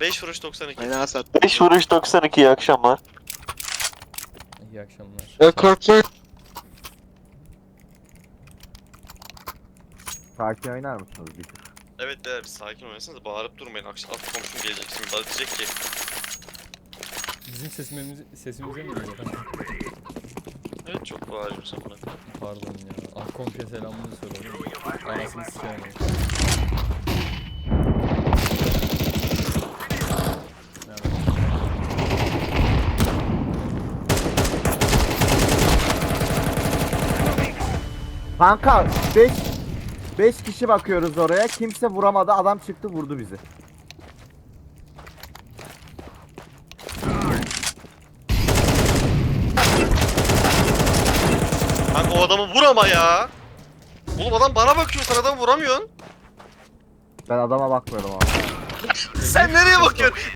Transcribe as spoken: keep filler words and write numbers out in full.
beş vuruş doksan iki. Aynen Asat. beş vuruş doksan iki, iyi akşamlar. İyi akşamlar. Ya korkma. Sakin oynar mısınız bir tık? Evet beyler bir sakin oynasınız, bağırıp durmayın. Akşam alt komşum gelecek şimdi, bana diyecek ki. Bizim sesimiz, sesimize mi geliyor kanka? Evet çok bağırıyorum sen bana. Pardon ya. Ah komşuya selamını söyle oğlum. Anasını sikeyim. Kanka beş beş kişi bakıyoruz oraya. Kimse vuramadı. Adam çıktı vurdu bizi. Kanka o adamı vur ama ya. Oğlum adam bana bakıyor, sen adamı vuramıyorsun. Ben adama bakmıyorum abi. Sen nereye bakıyorsun?